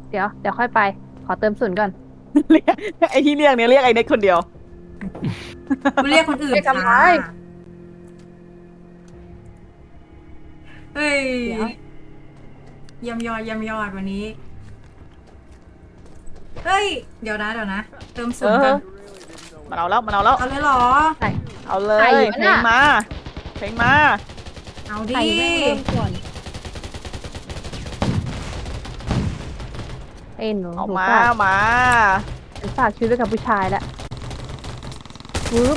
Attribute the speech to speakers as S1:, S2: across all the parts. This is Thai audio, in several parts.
S1: เดี๋ยวค่อยไปขอเติมศูนย์ก่อน
S2: เรียกไอ้ที่เรียกเนี่ยเรียกไอ้เน็กคนเดียว
S3: กูเรียกคนอื่น
S1: ไม่ทำ
S3: ค่ะ
S1: ร้าย
S3: เฮ้ย
S1: เดี๋ยว
S3: ยำยอดวันนี้เฮ้ยเดี๋ยวนะเติมศูนย์กัน
S2: มันเอาแล้ว
S3: เอาเลยเหรอ
S2: เอาเล
S1: ใคร
S2: ย
S1: อยู่
S2: เพล
S1: น่ะ
S2: งมาเพลงมา
S3: เอา
S1: ใคร
S3: ดิ
S1: แม่งเริ่มก่อนเอ็นหนู
S2: เอา
S1: หนู
S2: มา
S1: ฝาก
S2: มา
S1: ฉันฝากชีวิตไว้กับผู้ชายแล้วปึ๊บ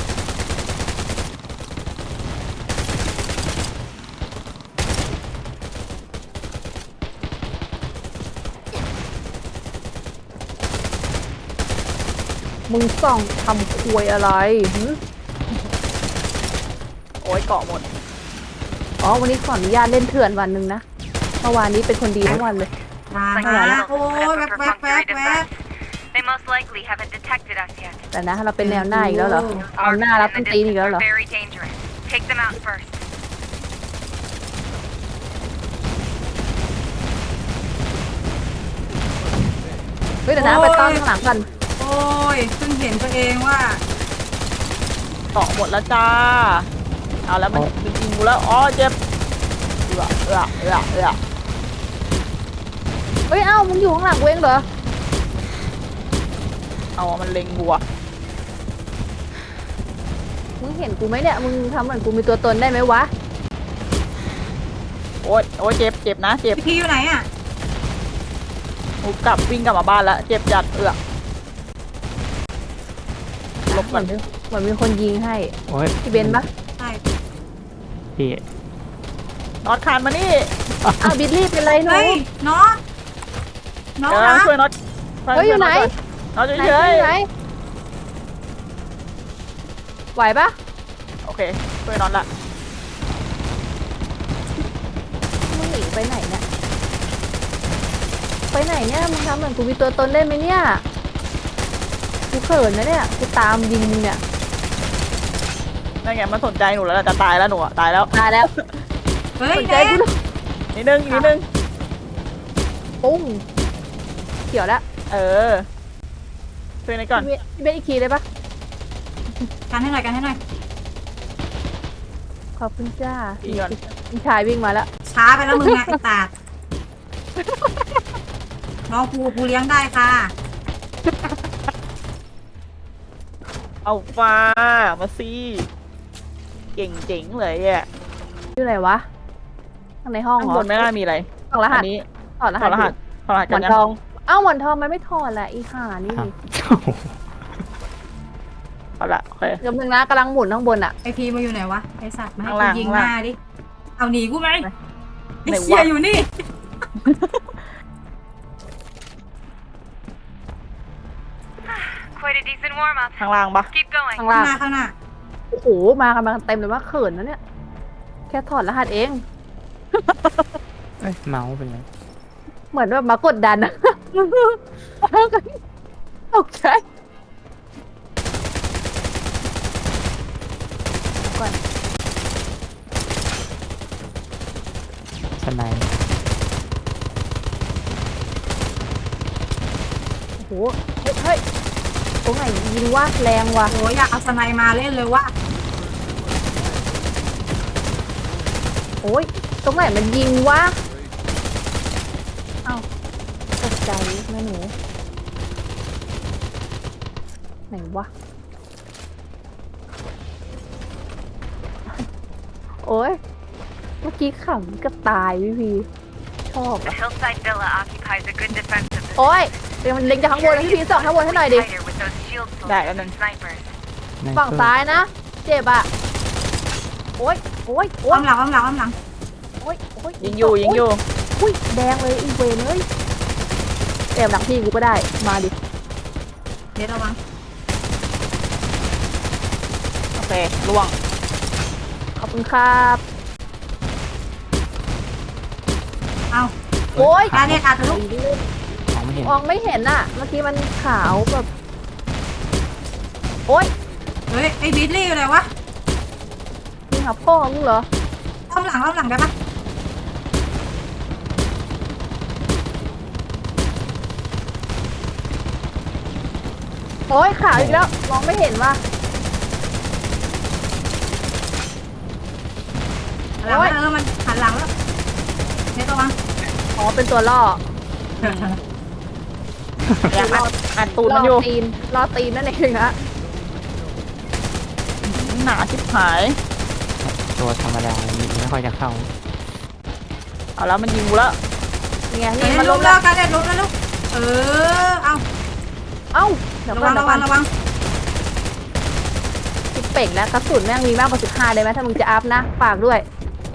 S1: มึงส่องทำควยอะไรหึ
S2: โอ้ยเกาะหมด
S1: อ๋อวันนี้ขออนุญาตเล่นเถื่อนวันหนึ่งนะเมื่อวานนี้เป็นคนดีทั้งวันเลย
S3: มาโอ้ยแวบ
S4: They most likely haven't detected us yet.
S1: แต่นะเราเป็นแนวหน้าอีกแล้วเหรอเอาหน้ารับ
S4: And
S1: ต้
S4: the
S1: นตีนอีก
S4: distance
S1: แล้วเหรอ
S4: are very dangerous. Take them out first.
S1: เฮ้ยเดี๋ยวนะไปต้อนข้างหลังกัน
S3: โอ้ยเพิ่งเห็นตัวเองว่า
S2: เกาะหมดแล้วจ้าเอาแล้วมันยิงกูแล้วอ๋อเจ็บเอือ
S1: เฮ้ยเอ้ามึงอยู่ข้างหลังเว้งเหรอ
S2: เอามันเล็งบัว
S1: มึงเห็นกูไหมเนี่ยมึงทำเหมือนกูมีตัวตนได้ไหมวะ
S2: โอ้ยเจ็บนะเจ็บ
S3: พี่อยู่ไหนอ่ะ
S2: กูวิ่งกลับมาบ้านแล้วเจ็บจัดลบ
S1: เห
S2: ก่
S1: มื
S2: อ
S1: อน นเหมือนมีคนยิงให้
S5: โอ้ย
S1: พี่เบนปะ
S3: ใช่
S5: พี่
S2: น็อตคานมานี่
S1: อ้าวบิลลี่เป็นไรหนู
S3: เฮ้ยน้อง
S2: เดี๋ยว
S3: นะ
S2: ช่วยน็อต
S1: เฮ้ยอยู่ไหน
S2: น็อต
S1: ไหน
S2: เฉย
S1: อยู่ไหนไหวปะ
S2: ๆโอเคช่วยน็อตละ
S1: มึงหนีไปไหนเนี่ยไปไหนเนี่ยมึงทำเหมือนกูมีตัวตนได้ไหมเนี่ยกูเขินนะเนี่ยกูตามยิงมึงเนี่ย
S2: นั่นไงมันสนใจหนูแล้วจะตายแล้วหนูตายแล้ว
S1: ตายแล้ว
S3: เฮ้ย
S1: สนใจ
S3: เด็
S1: กู
S3: ก
S1: ด้วย
S2: นิดนึง
S1: ปุ้งเขียวแล้ว
S2: เออช่วยหน่อยก่อน
S1: พี่เบนอีกทีเลยปะ
S3: กันให้หน่อย
S1: ขอบคุณจ้า
S2: อีกก่อน
S1: ผู้ชายวิ่งมาแล้ว
S3: ช้าไปแล้วมึงไงไอ้ตาดน้องกูเลี้ยงได้ค่ะ
S2: เอาฟ้ามาสิเก่งเจ๋งเลยอ่ะ
S1: อยู่ไหนวะข้างในห้อง
S2: ข้าง
S1: เหร
S2: บ
S1: อน
S2: ไม่น่ามีอะไร
S1: ถอดรหั
S2: อั
S1: ส
S2: นนี้
S1: ถอดร
S2: ถ
S1: หั
S2: อ
S1: ส
S2: ดรหัสถอดรหัส
S1: หม
S2: กั
S1: อน น
S2: ยัง
S1: ทองเอ้าหมอนทองมันไม่ถอดแหละอีห่านี่
S5: ครับ
S2: เอาละโอเค
S1: กำลังนะกำลังหมุนข้างบนอะ
S3: ไอพีมาอยู่ไหนวะไอสัตว์มาให้
S2: ข้าง
S3: กู
S2: ล่าง
S3: ยิง
S2: ข้าง
S3: ห
S2: ล่าง
S3: น้าดิเอาหนีกูไหมไอ
S2: ไหนวะ
S3: เชียอยู่นี่
S4: Quite a decent warm up.
S2: ข้างล่างปะ
S4: Keep going.
S1: ข้างล่าง
S3: ข้างหน้า
S1: โอ้โหมากันมาเต็มเลยว่าเขินนะเนี่ยแค่ถอดรหัสเอง
S5: เอ้ยเมาส์เป็นไร
S1: เหมือนแบบมากดดันอะ ตกใจก่อน
S5: สไนด์
S1: โอ้โหเฮ้ยตรงไหนยิงว่าแรงว่ะ
S3: โอ้ยอยากเอาสไนมาเล่นเลยว่ะ
S1: โอ้ยตรงไหนมันยิงวะเอ้าตกใจแม่หนูไหนวะโอ้ยเมื่อกี้ขำก็ตายพี่ชอบ
S4: The
S1: อะ
S4: hillside villa occupies a good defensive
S1: โอ้ยเดี๋ยวมันเล็งจากข้างบนนะพี่ส่องข้างบนให้หน่อยดิ
S4: tighter with those shield
S2: ได้
S4: soldiers
S2: แล้วนึง
S4: and snipers.
S5: ใน
S1: ฝั่ง
S5: เพิ่ม
S1: ซ้ายนะ เจ็บอ่ะ โอ้ยโอ้ยโอ้
S3: อ้อย มหลัง
S1: โอ้ยโอ้ย
S2: ยิงอยู่
S1: อุ้ยแดงเลยอีเวนเลยแอบหลังพี่กูก็ได้มาดิ
S3: เดี๋ยวระวัง
S2: โอเคล่วง
S1: ขอบคุณครับ
S3: เอา
S1: โอ้ย
S3: ตาเนี่ยขาดทะลุ
S5: มองไม่เห็น
S1: มองไม่เห็นอ่ะ เมื่อกี้มันขาวแบบโอ้ย
S3: เฮ้ยไอบิลลี่อยู่ไหนวะ
S1: นี่หาพ่อมึงเหรอ
S3: อ้อมหลังได้ปะ
S1: โอ้ยขาวอีกแล้วมองไม่เห็นว่ะ
S3: หลังแล้วมันหันหลังแล้วเน็ตระวัง
S1: อ๋อเป็นตัวล่อ
S2: อยากอัดตูด
S1: ล่
S2: มันอยู่
S1: อตีนล่อตีนนั่นเองนะ
S2: หนาชิบหาย
S5: ตัวธรรมดาไม่ค่อยจะเข้า
S2: เอาแล้วมันยิงกูแล้ว
S1: นี่ไง
S3: เน็
S1: นี่
S3: ต
S1: มัน
S3: ล้
S1: ล้
S3: ม
S1: ม
S3: แล้
S1: แล้ว ว
S3: กันเน็ตล้มแล้วลูกเอา
S1: เอ้าเดี๋ยว
S3: ระ
S1: ก่
S3: วั
S1: อน
S3: ง
S1: เดี๋ยวก่
S3: ระวั
S1: อง น
S3: ระวัง
S1: สิบเป่งแล้วกระสุนแม่งมีมากกว่า15ได้ไหมถ้ามึงจะอัพนะฝากด้วย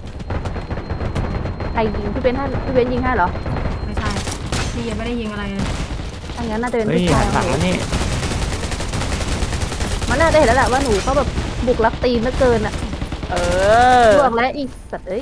S1: ใครยิงพี่เบนให้พี่เบนยิงให้เหรอ
S3: ไม่ใช่พี่ยังไม่ได้ยิงอะไรเลย
S1: ถ้างั้นน่าจะเป็น
S5: เฮ้ย
S1: ผู้ชา
S5: หั
S1: ย
S5: นหลังแล้วนี่
S1: มันน่าจะเห็นแล้วแหละว่าหนูเขาแบบบุกลักตีนเหลือเกินอะ
S2: เออ
S1: ลวกแล้วอีสัตว์เอ้ย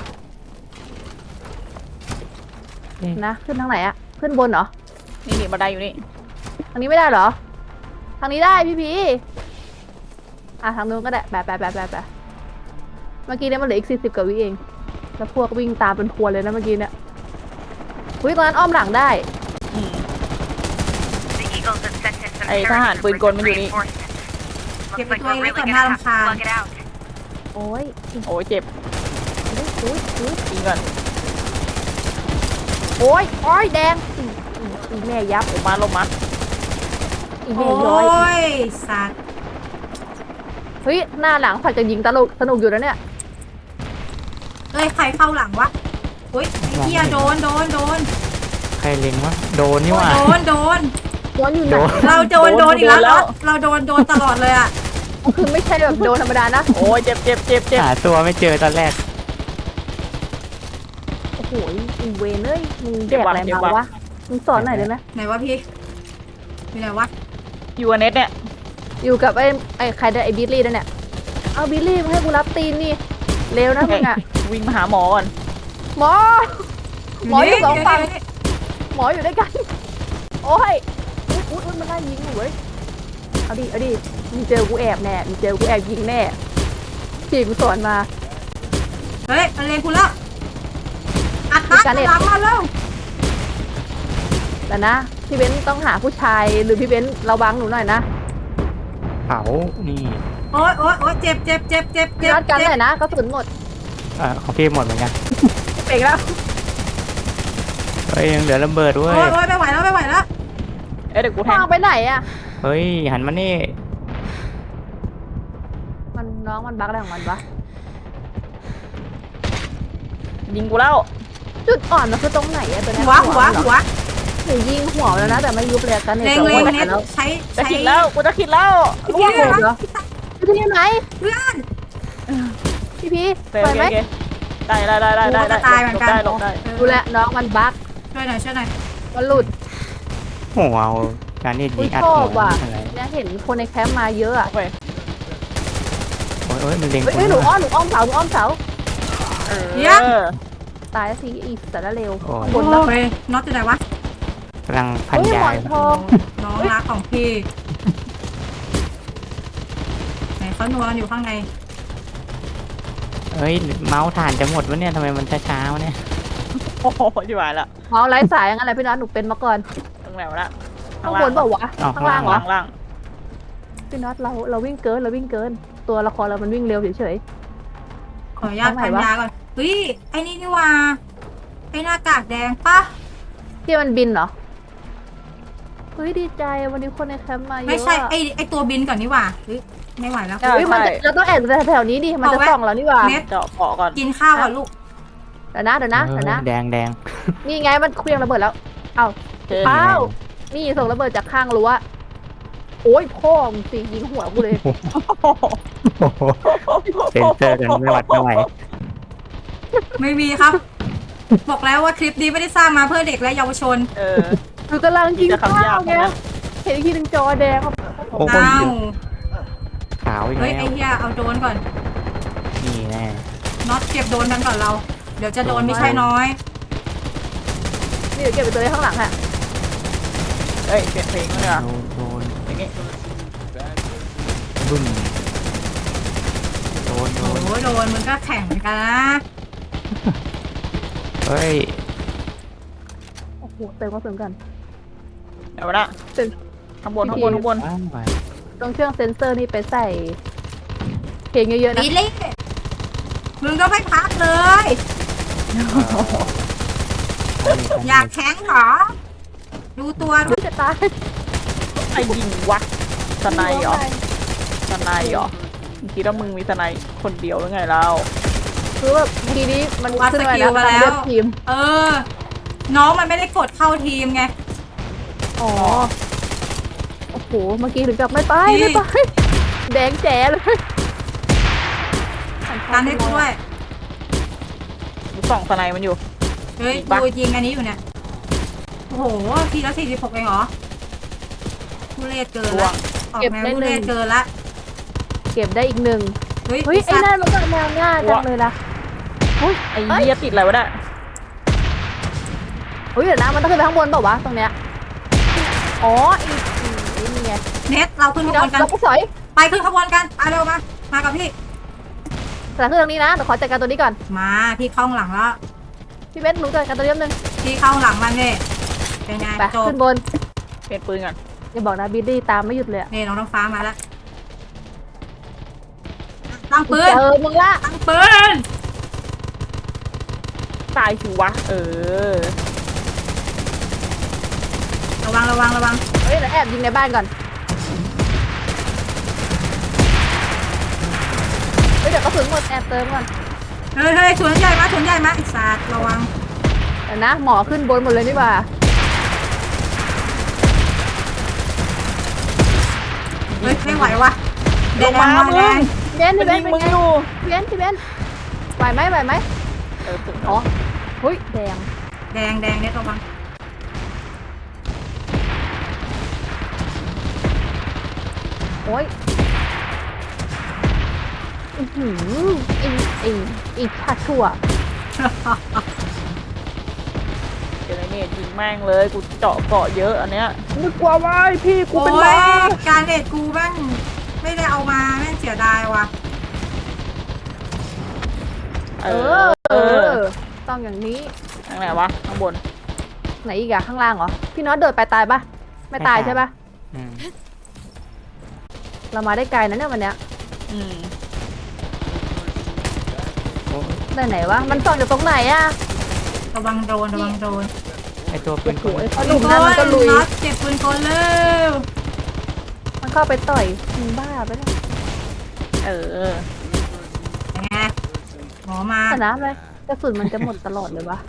S1: นะขึ้นทางไหนอะขึ้นบนเหรอ
S2: นี่บันไดอยู่นี่
S1: ทางนี้ไม่ได้เหรอ ทางนี้ได้พี่พีอ่ะทางนู้นก็ได้แบบเมื่อกี้เนี่ยมันเหลืออีก40 กว่าวิเอง แล้วพวกวิ่งตามเป็นพวนเลยนะเมื่อกี้เนี่ยอุ้ยตอนนั้นอ้อมหลังได้
S2: อืม
S4: The Eagles have sent in some
S2: ไอ้ทหารปืนกลมันอยู่นี่
S4: reinforcements.
S3: เก็บ
S4: Looks
S3: ไป
S4: like
S3: ตัวเอง
S4: we're
S3: ไว้
S4: really
S3: ก่อน
S4: gonna
S3: น่า
S4: have to
S3: รำคาญ
S4: plug it out.
S1: โอ้ย
S2: โอ้ยเจ็บ
S1: อุ้ย
S2: ยิงก่อน
S1: โอ้ยโอ้ยแดงอีแม่ยับ
S2: ลงมาลงมา
S1: อี
S3: โอ้
S1: แม่ย้อย
S3: ยสัตว์
S1: เฮ้ยหน้าหลังผัดจะยิงสนุกอยู่แล้วเนี่ย
S3: เอ้ยใครเข้าหลังวะอุ้ยไอ้เหี้ยโดน
S5: ใครเล็งวะโดนนี่หว่า
S3: โดน
S1: ย้อนอยู่ไหน
S5: โดน
S3: เราโดนอีกแล้วเราโดนตลอดเลยอ่ะ
S1: คือไม่ใช่แบบโดนธรรมดานะ
S2: โอ้ยเจ็บ
S5: หาตัวไม่เจอตอนแรก
S1: โอ้โหอีเวนเอ้ยมึงแดกอะไรมาวะมึงสอนหน่อยได้ไหม
S3: ไหนวะพี่มีไหนวะ
S2: อยู่กับเน็ตเนี่ย
S1: อยู่กับไอ้ใครได้ไอ้บิลลี่นั่นเนี่ยเอาบิลลี่มาให้กูรับตีนนี่เร็วนะมึงอะ
S2: วิ่งมาหาหมอก่อน
S1: หมอ หมออยู่สองฝั่ง หมออยู่ด้วยกัน โอ้ยอุ๊ยมันได้ยิงอยู่เว้ยเอาดิมึงเจอกูแอบแน่มึงเจอกูแอบยิงแน่พี่กูสอนมา
S3: เฮ้ยมันเลงคุณแล้วอัดตัดหลังมาแล้ว
S1: แต่นะพี่เบนซ์ต้องหาผู้ชายหรือพี่เบนซ์ระวังหนูหน่อยนะ
S5: เผานี่
S3: โอ๊ยเจ็บ
S1: พี่รัดกันหน่อยนะกระสุนหมด
S5: ของพี่หมดเหมือนกัน
S1: เป่งแล้ว
S5: เฮ้ยยังเหลือระเบิดด้ว
S3: โอ๊
S5: ย
S3: ยไม่ไหวแล้ว
S2: เอ้ยเดี๋ยวกูแท
S1: วาง งไปไหนอะ
S5: เฮ้ยหันมานี่
S1: น้องมันบั๊กอะไรของมันวะ
S2: ยิงกูแล้ว
S1: จุดอ่อนมันคือตรงไหนอะตัวเนี้ย
S3: หัว
S1: หนูยิงหัวแล้วนะแต่ไม่ยุบเลยกัน
S3: เลง
S1: โอ้ย
S3: เน็ต
S1: แล้ว
S3: ใช้
S2: จะคิดแล้วกูจะคิดแล้ว
S3: พี่
S1: โอ้โหเหรอพี่พี่ไหน
S3: เพื่อน
S1: พี่พี่
S2: โอเค
S1: ไป
S2: โอ
S1: ไหม
S2: เคได้หลบได้
S1: ดูแลน้องมันบั๊ก
S3: ช่วยหน่อย
S1: มันหลุด
S5: โหเอาการนี่
S1: อุ้
S5: ยิ
S1: ย
S5: งอัด
S1: ชอ
S5: หั
S1: บ
S5: ว
S1: ว่ะ
S5: อะไร
S1: เนี่ยเห็นคนในแคมป์มาเยอะอะ
S2: โอเค
S5: โอ้ยมันเล็ง
S1: เฮ้ยหนูอ้อมเสาตายแล้วสิอีสารเลว
S5: โอ้ย
S1: บนแล้ว
S3: โอ้ยน็อตอยู่ไหนวะ
S5: กำลังพัน
S1: เฮ้ย
S5: ยา
S1: หมอนทอง
S3: น้องรักของพี่ไหนเขานัวกันอยู่ข้างใน
S5: เฮ้ยเมาส์ถ่านจะหมดวะเนี่ยทำไมมันช้าๆวะเนี่ย
S2: โอ้โหจิ๋วหายละ
S1: เมาไร้สายอย่างนั้นแหละพี่น็อตหนูเป็นมาก่อน
S2: ตรงไหนวะละ
S1: ข้างบนเปล่าวะข้างล่างเหรอ
S2: ข้างล่าง
S1: พี่น็อตเราวิ่งเกินตัวละครเรามันวิ่งเร็วเฉย
S3: ขออนุญาตพันยาก่อนเฮ้ยไอ้นี่ว่าไอ้หน้ากากแดงปะ
S1: ๆที่มันบินเหรอเฮ้ยดีใจวันนี้คนในแคมป์มาเยอะ
S3: ไม่ใช่ไอ้ตัวบินก่อนนี่ว่าเฮ้ยไม่ไหวแล้ว
S2: ใช่
S1: เฮ้ยมันเราต้องแอบแถวนี้ดิมันจะส่องเรานี่หว่า
S3: เน็ต
S2: เจาะเกาะก่อน
S3: กินข้าวก่อนลูก
S1: เดี๋ยวนะ
S5: แดง
S1: นี่ไงมันเคลื่องระเบิดแล้วเอ้า
S2: เจอ
S1: อ้าวนี่ส่งระเบิดจากข้างรั้วโอ้ยพ่อมึงสิยิงหัวกูเลย
S5: เซนเซอร์กันไม่หวัดไม่ไหว
S3: ไม่มีครับ บอกแล้วว่าคลิปนี้ไม่ได้สร้างมาเพื่อเด็กและเยาวชน
S1: คือกำลังยิง
S2: จะ
S1: ข้า
S2: คำยาว
S1: ไงเห็นอีกทีหนึ่งจอแดง
S5: โอ้โห
S3: อ้าว
S5: ขาวอีก
S3: เฮ้ย
S5: แล้
S3: ไอ้
S5: ว
S3: เหี้ยเอาโดนก่อน
S5: นี่แน่
S3: น็อตเก็บโดนกันก่อนเรา เดี๋ยวจะโดนไม่ใช่น้อย
S1: นี่เดี๋ยวเก็บไปตัวไว้ข้างหลังอะ
S2: เอ้ยเปลี่ยนเพลงเลยอ่ะ
S5: โดน
S2: อย่างงี้
S5: บึ้มโดน
S3: โอ้ยโดนมึงก็แข่งเหมือนกันนะ
S5: เฮ้ย
S1: โอ้โหเติมก็เติมกัน
S2: เดี๋ยวนะ
S1: เติม
S2: ข้างบนข้างบนข้างบน
S5: ว้าวไป
S1: ตรงเครื่องเซ็นเซอร์นี่ไปใส่เพลงเยอะๆนะ
S3: บิลลี่มึงก็ไม่พักเลย อยากแข็งเหรอ ดูตัวดู
S1: จะตาย
S2: ไอ้ยิงวะสไนเหรอสไนเหรอมึงคิดว่ามึงมีสไนคนเดียวหรือไงเรา
S1: คือแบบทีนี้มัน
S3: วัด
S1: ขึ้น
S3: ส
S1: มา
S3: กิ
S1: แล้
S3: ล
S1: ว
S3: มา
S1: มัน
S3: แล้
S1: เลื
S3: ว
S1: อกทีม
S3: เออ น้องมันไม่ได้กดเข้าทีมไง
S1: อ๋อโอ้โหเมื่อกี้ถึงกับไม่ไป
S3: พี่
S1: ไม่ไปแดงแจ๋เลย
S3: การให้กูด้วย
S2: กูส่องสไนมันอยู่
S3: เฮ้ย
S2: ปะ
S3: กูยิงอันนี้อยู่เนี่ย โอ้โหทีละ46เองเหรอทุเรศเกิน
S2: ล่ว
S3: ละ
S2: ง
S3: ออกแนวทุเรศเกินละ
S1: เก็บได้อีกหนึ่ง
S3: เฮ้ย
S1: เฮ้ยไอ้
S3: สัตว์
S1: นั่นมันก็แนวหน้าจังเลยล่ะเฮ้ย
S2: ไอ้เหี้ยติดอะไรวะเนี่ย
S1: เฮ้ยเดี๋ยวนะมันต้องขึ้นไปข้างบนเปล่าวะตรงเนี้ยอ๋อไอ้นี่ไง
S3: เน็ตเราขึ้นข
S1: พี่
S3: บ
S1: น้อ
S3: ว
S1: ง
S3: นกัน
S1: เราก็สอย
S3: ไปขึ้นขบวนกันไปเร็วมา มากับพี่
S1: แต่ขึ้นตรงนี้นะเดี๋ยวขอจัดการตัวนี้ก่อน
S3: มาพี่เข้าหลังแล้ว
S1: พี่เบสหนูจัดการตัวนี้แป๊บนึง
S3: พี่เข้าหลังมันเลยเป็นไง
S1: ไป
S3: จบ
S1: ขึ้นบน
S2: เปลี่ยนปืนก่อน
S1: อย่าบอกนะบิลลี่ตามไม่หยุดเลยอะ
S3: นี่น้องน้ำฟ้ามาแล้ว ตั้งปืน
S1: เจอมึงละ
S3: ตั้งปืน
S2: ตายสิวะ
S3: ระวังระวังระวัง
S1: เฮ้ยเดี๋ยวแอบยิงในบ้านก่อนเฮ้ยเดี๋ยวกระสุนหมดแอบเติมก่อน
S3: เฮ้ยเฮ้ยสวนใหญ่มาสวนใหญ่มาไอ้สัตว์ระวัง
S1: เดี๋ยวนะหมอขึ้นบนหมดเลยนี่หว่า
S3: เฮ้ยไม่ไหววะแด
S2: ล
S3: ง
S2: งมา
S3: มา
S2: มึง
S3: แดง
S1: เบน
S2: มัน
S1: พี่เบ
S2: ยิ
S1: น
S2: ง
S1: เป็น
S2: มึง
S1: ไง
S2: อยู่
S1: พี่เบนพี่เบนไหวไหมไหวไหม
S2: ถึง
S1: อ๋อเฮ้ยแดง
S3: แดงแดงเน็ตระวัง
S1: โอ้ยอือหืออีชาชั่ว
S2: เดี๋ยวไอ้เนี่ยยิงแม่งเลยกูเจาะเกาะเยอะอันเนี้ยนึกว่าไว้พี่กู
S3: โอ้
S2: เป็นบ้าย
S3: การเด็ดกูแม่งไม่ได้เอามาแม่งเสียดายว่ะ
S2: เอ
S1: เอ
S2: อ
S1: อต้องอย่างนี้
S2: ทางไหนวะข้างบน
S1: ไหนอีกอะข้างล่างเหรอพี่น็อตเดินไปตายปะไม่ตายใช่ปะ
S5: อืม
S1: เรามาได้ไกลนะเนี่ยวันเนี้ย
S2: อืม
S5: โอ้ย
S1: ได้ไหนวะมันส่องจากตรงไหนอะ
S3: ระวังโดนระวังโดน
S5: ไอตัวปืนกล
S1: ไอ้หนุ่มนั่นมันก็ลุย
S3: น็อตเก็บปืนกลเร็ว
S1: มันเข้าไปต่อยมึงบ้าไปแล้ว
S2: เออ
S3: ยังไงหมอมา
S1: ชนะเลยกระสุนมันจะหมดตลอดเลยวะ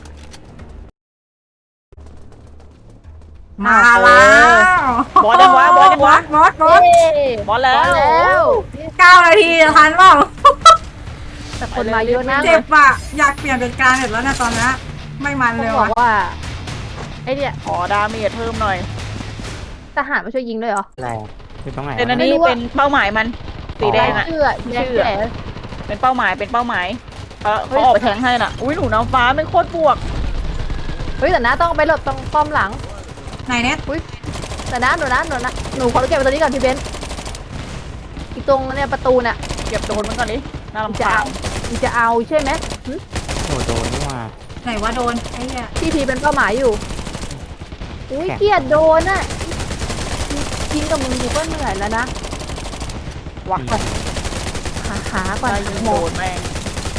S3: มาแล้ว
S2: บอสยังวะบอสยังวะ
S3: บอส
S1: เย้
S2: บอสแล้ว
S1: แล้ว
S3: 9 นาทีทันเปล่า
S1: แต่คนมาเยอะนะ
S3: เจ็บอ่ะอยากเปลี่ยนเป็นการเด็ดแล้วนะตอนนี้ไม่มัน
S1: ต้อ
S3: เล
S1: ง
S3: ย
S1: บอ
S3: ว่ะ
S1: กว่าไอเนี่ย
S2: ขอดาเมจเพิ่มหน่อย
S1: ทหารมาช่วยยิงด้วยเหรอ
S5: อะไรอะคือตรงไหน
S2: เป็นอัน
S5: วะ
S2: นี้
S1: ไม่รู้อะ
S2: เป็นเป้าหมายมันสีแดงอ่ะ
S1: เชื่อแดงแก่
S2: เป็นเป้าหมายเป็นเป้าหมายเขาออกไปแทงให้น่ะอุ้ยหนูน้ำฟ้าไม่โคตรบวก
S1: เฮ้ยแต่นะต้องไปหลบตรงป้อมหลัง
S3: ไหนเน็ต
S1: แต่นะหนูขอเก็บไปตัวนี้ก่อนพี่เบนอีกตรงเนี่ยประตูน่ะ
S2: เก็บโดนมันก่อนดิน่ารำ
S1: จะ
S2: คา
S1: เอา
S2: ญ
S1: จะเอาใช่ไหมหึ
S5: โอ้โดนนี่หว่า
S3: ไหนว่าโดนไอ้เหี้ย
S1: พี่พีเป็นเป้าหมายอยู่อุ้ย
S5: แข็ง
S1: เกลียดโดนอ่ะยิงกับมึงกูก็เหนื่อยแล้วนะ
S2: วัก
S1: หาก่อน
S2: ได้ยิง
S1: หม
S2: โด
S1: อน
S2: แม่ง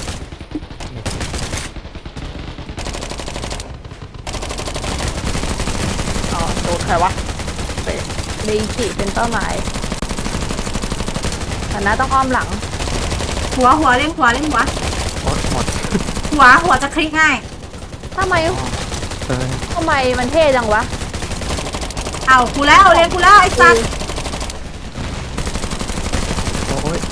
S2: อ๋อโดนใครวะ
S1: เดจิเป็นเป้าหมายแต่นะต้องอ้อมหลัง
S3: หัวเล่นหัวเล่นหัว
S5: โอ๊ยหมด
S3: หัวจะคลิกง่าย
S1: ทำไม
S5: เกิน
S1: มันเท่จังวะ
S3: เอากูแล้วเรียนกูแล้วไอ้สัตว์
S5: โอ้ย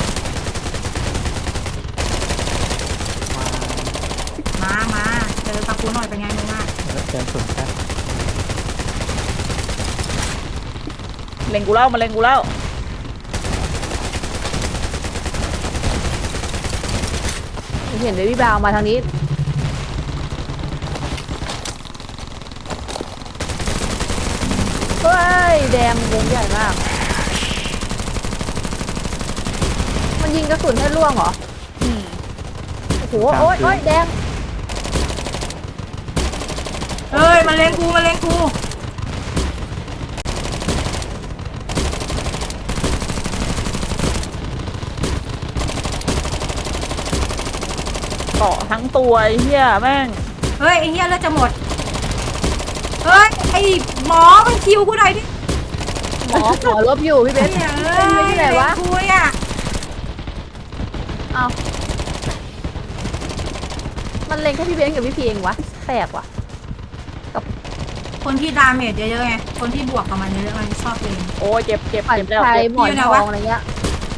S3: มาเจอตะปูหน่อยเป็นไงมึงอ่ะ
S5: เดินสุดแค่
S2: เล็งกูเล่ามาเล็งกูเล่า
S1: เห็นเบบี้บาวมาทางนี้เฮ้ยแดงวงใหญ่มาก มันยิงกระสุนให้ล่วงเหรอ
S2: อืม
S1: โอ้โหโอ๊ยแดง
S3: เอ้ยมาเล่นกู
S2: เกาะทั้งตัวไอ้เหี้ยแม่ง
S3: เฮ้ยไอ้เหี้ยเลือดจะหมดเฮ้ยไอ้หมอมันคิวกูหน่อยดิ
S1: หมอลบอยู่พี่เบน
S3: เฮ้ย
S1: เป็นที่ไหนวะ
S3: กูเนี่ย
S1: เอามันเล็งแค่พี่เบนกับพี่พีเองวะแปลกว่ะ
S3: คนที่ดาเมจเยอะๆไงคนที่บวกกับมันเยอะๆมันชอบเอง
S2: โอ้ยเจ็บเจ็บ
S1: ฝ่าย
S2: เจ็บแล้ว
S1: ชาย
S2: เจ็บ
S1: หมอนทองอะไรเงี้ย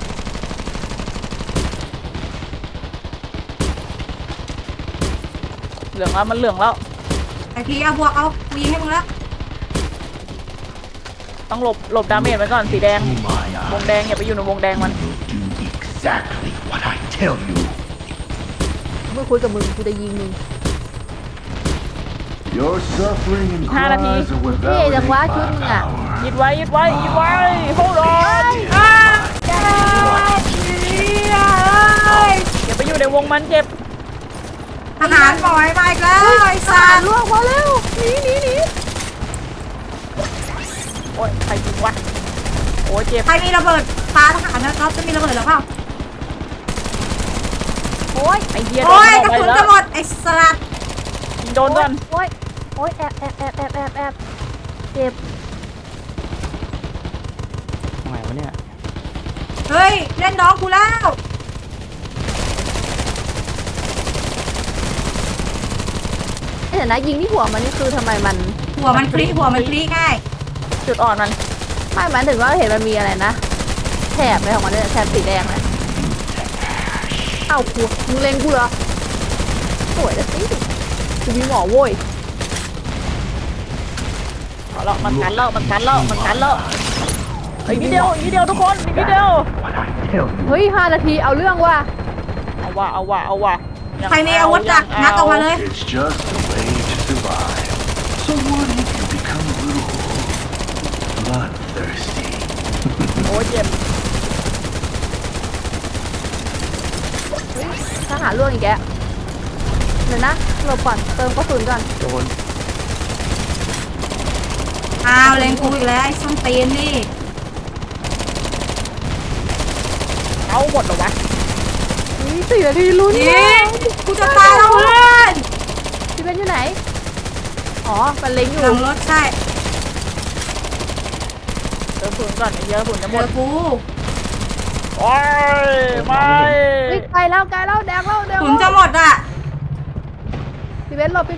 S2: เหลืองแล้วมันเหลืองแล้ว
S3: ไอ้พีเอาบวกเอากูยิงให้มึงแล้ว
S2: ต้องหลบดาเมจไว้ก่อนสีแดง วงแดงอย่าไปอยู่ในวงแดงมัน
S6: Do exactly what I tell you.
S1: ไม่คุยกับมึงกูจะยิงมึง
S6: Your suffering and
S2: Hai là gì?
S6: cries are what
S1: Cái gì
S6: validate
S1: đừng quá
S6: my
S1: chút nha.
S6: power.
S2: ยิดไว้ยิดไว้ยิดไว้โฮดอน อย่าไปอยู่ในวงมันเจ็บ
S3: ทหารบ่อยมาอีกแล้วไอ้สั
S1: สาร
S3: ตว์
S1: ล่วงพอแล้วหนีหนีหนี
S2: โอ้ยใครยิงวะโอ้ยเจ็บ
S3: ใครมีระเบิดปาทหารนะครับจะมีระเบิดหรือเปล่า
S1: โอ้ย
S2: ไอ้เหี้ยโด
S3: โอ้ย
S2: น
S3: กระ
S2: ไป
S3: สุน
S2: แล้
S3: จะ
S2: ว
S3: หมดไอ้สัตว์
S2: ยิงโดนก่อน
S1: โอ้ยโอ้ยแอบเจ็บ
S5: ทำไมวะเนี่ย
S3: เฮ้ยเล่นน้องกูแล้ว
S1: เดี๋ยวนะยิงที่หัวมันนี่คือทำไมมัน
S3: หัวมันพลิกง่าย
S2: จุดอ่อนมัน
S1: ไม่หมายถึงว่าเห็นมันมีอะไรนะแถบอะไรของมันเนี่ยแถบสีแดงเลยเอ้ากูมึงเล็งกูเหรอสวยนะสิกูมีหมอโว้ย
S2: เอาละมันกันแล้วมันกันแล้วมันกันแล้วอีกนิดเดียวอีกนิดเดียวทุกคนอีกนิดเดียว
S6: What I tell you.
S1: เฮ้ย5 นาทีเอาเรื่องว่ะ
S2: เอาว่ะเอาว่ะเอาว่ะยัง
S3: ใครมีอาวุธอะ
S2: ยัง
S3: งัดออกมาเลย
S6: It's just a way to survive. So what if you become a little bloodthirsty?
S2: โอ้ยเจ็บ
S1: เฮ้ยทหารล่วงอีกแกเดี๋ยวนะหลบก่อนเติมกระสุนก่อน
S5: โดน
S3: อ้าวเล่นกูอีกแล้วไอ้ส้นตีนนี่
S2: เอาหมดเหรอวะ
S1: 4 นาทีลุ้น
S3: ยิงกูจะตายแล้วเพื่อน
S1: พี่เป็นอยู่ไหนอ๋อมันเล็งอยู่
S3: หลังรถใช่
S2: เติมฝุ่นก่อนไอ้เหี้ยฝุ่นจะห
S3: เจ
S2: มด
S3: อกู
S2: โอ้ยไม่
S1: เฮ้ยไกลแล้วแดกแล้ว
S3: ขุนจะหมดอ่ะ
S1: พี่เบนหลบ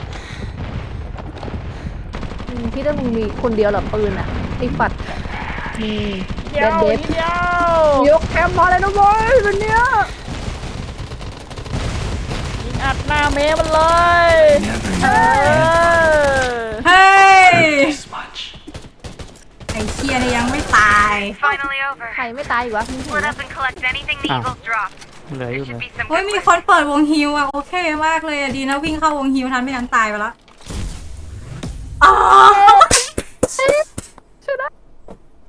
S1: พี่ต้องมึงมีคนเดียวเหรอปืนอ่ะไอ้ฝัดมี
S2: เดี
S1: เด
S2: ยว
S1: ดเด
S2: นิ
S1: ฟ
S2: ดเดียว
S1: ยกแคมป์มาเลยนะบอยวันเนี้ย
S2: ยิงอัดหน้าเมมันเลย
S6: Never
S2: เอ
S6: knew
S2: อ
S3: เฮ้ย
S6: this much.
S3: ไอ้เชียนี่ยังไม่ตาย
S4: Finally over.
S1: ใครไม่ตายอีกวะพี่เห็น
S4: Split
S1: ไหม
S4: up and collect anything the
S5: Ah.
S4: Eagles drop.
S5: เหลืออ
S4: There
S5: ยู่เล
S4: should
S5: ย
S4: be some
S3: เฮ้ย
S4: good
S3: มี
S4: loot.
S3: คนเปิดวงฮิวอ่ะโอเคมากเลยอะดีนะวิ่งเข้าวงฮิวทันไม่งั้นตายไปละอ้าว